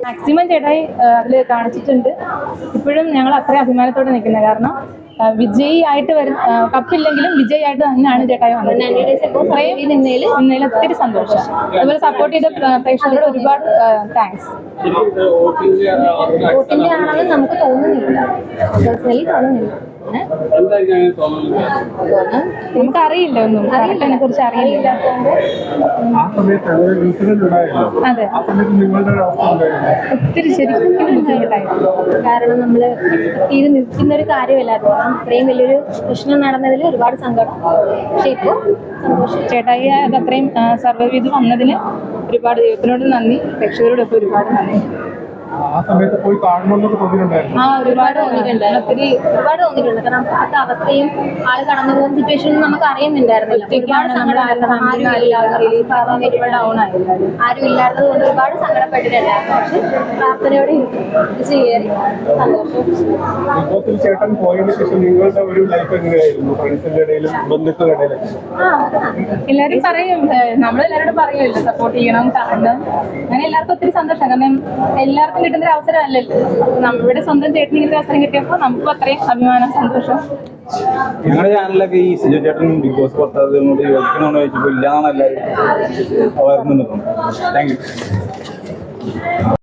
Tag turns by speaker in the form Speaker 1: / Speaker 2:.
Speaker 1: Maximum ചേട്ടായി അതിൽ കാണിച്ചിട്ടുണ്ട്. ഇപ്പോഴും ഞങ്ങൾ അത്രയും അഭിമാനത്തോടെ നിൽക്കുന്നത്. കാരണം വിജയി ആയിട്ട് കപ്പില്ലെങ്കിലും വിജയി ആയിട്ട് തന്നെയാണ് ചേട്ടായി വന്നത്. ഇന്നലെ ഒത്തിരി സന്തോഷം. അതുപോലെ സപ്പോർട്ട് ചെയ്ത പ്രേക്ഷകരോട് ഒരുപാട് താങ്ക്സ്.
Speaker 2: വോട്ടിന്റെ ആണെന്ന് നമുക്ക് തോന്നുന്നില്ല, പേഴ്സണലി തോന്നുന്നില്ല.
Speaker 1: നമുക്കറിയില്ല, ഒന്നും അതിനെ കുറിച്ച് അറിയില്ല. അതെ, ഒത്തിരി ശരിക്കും ബുദ്ധിമുട്ടായിരുന്നു.
Speaker 2: കാരണം നമ്മൾ ഇത് നിൽക്കുന്ന ഒരു കാര്യമല്ല. കാരണം ഇത്രയും വലിയൊരു പ്രശ്നം നടന്നതിൽ ഒരുപാട് സങ്കടം. പക്ഷെ ഇപ്പോൾ സന്തോഷം.
Speaker 1: ചേട്ടായി അത് അത്രയും സർവൈവ് ചെയ്ത് വന്നതിന് ഒരുപാട് ദൈവത്തിനോട് നന്ദി, പ്രേക്ഷകരോടൊക്കെ ഒരുപാട് നന്ദി.
Speaker 2: ഒരുപാട് തോന്നിയിട്ടുണ്ട്. കാരണം അപ്പോഴത്തെ അവസ്ഥയും ആള് കടന്നു പോകുന്ന സിറ്റുവേഷനും നമുക്ക് അറിയുന്നുണ്ടായിരുന്നില്ല. ഒരുപാട് സങ്കടമായിരുന്നു. ആരും ഇല്ലാത്തത് കൊണ്ട് ഒരുപാട് സങ്കടപ്പെട്ടിട്ടുണ്ടായിരുന്നു. പക്ഷെ പ്രാർത്ഥനയോടെ കയറി സന്തോഷം.
Speaker 1: എല്ലാരും പറയും, നമ്മളെല്ലാവരോടും പറയുമല്ലോ സപ്പോർട്ട് ചെയ്യണം, കാണണം. അങ്ങനെ എല്ലാവർക്കും ഒത്തിരി സന്തോഷം. കാരണം എല്ലാവർക്കും കിട്ടുന്ന ഒരു അവസരമല്ലല്ലോ. നമ്മുടെ സ്വന്തം ചേട്ടന് ഇങ്ങനെ അവസരം കിട്ടിയപ്പോൾ നമുക്കും അത്രയും അഭിമാനം, സന്തോഷം.
Speaker 3: ഞങ്ങളുടെ ചാനലിലൊക്കെ ഈ സിജോ ചേട്ടൻ ബിഗ് ബോസ് പുറത്താകുന്നതിനോട് യോജിക്കണമെന്ന് ചോദിച്ചപ്പോൾ ഇല്ലാന്നാണ് എല്ലാവരും പറയുന്നുണ്ട്. Thank U.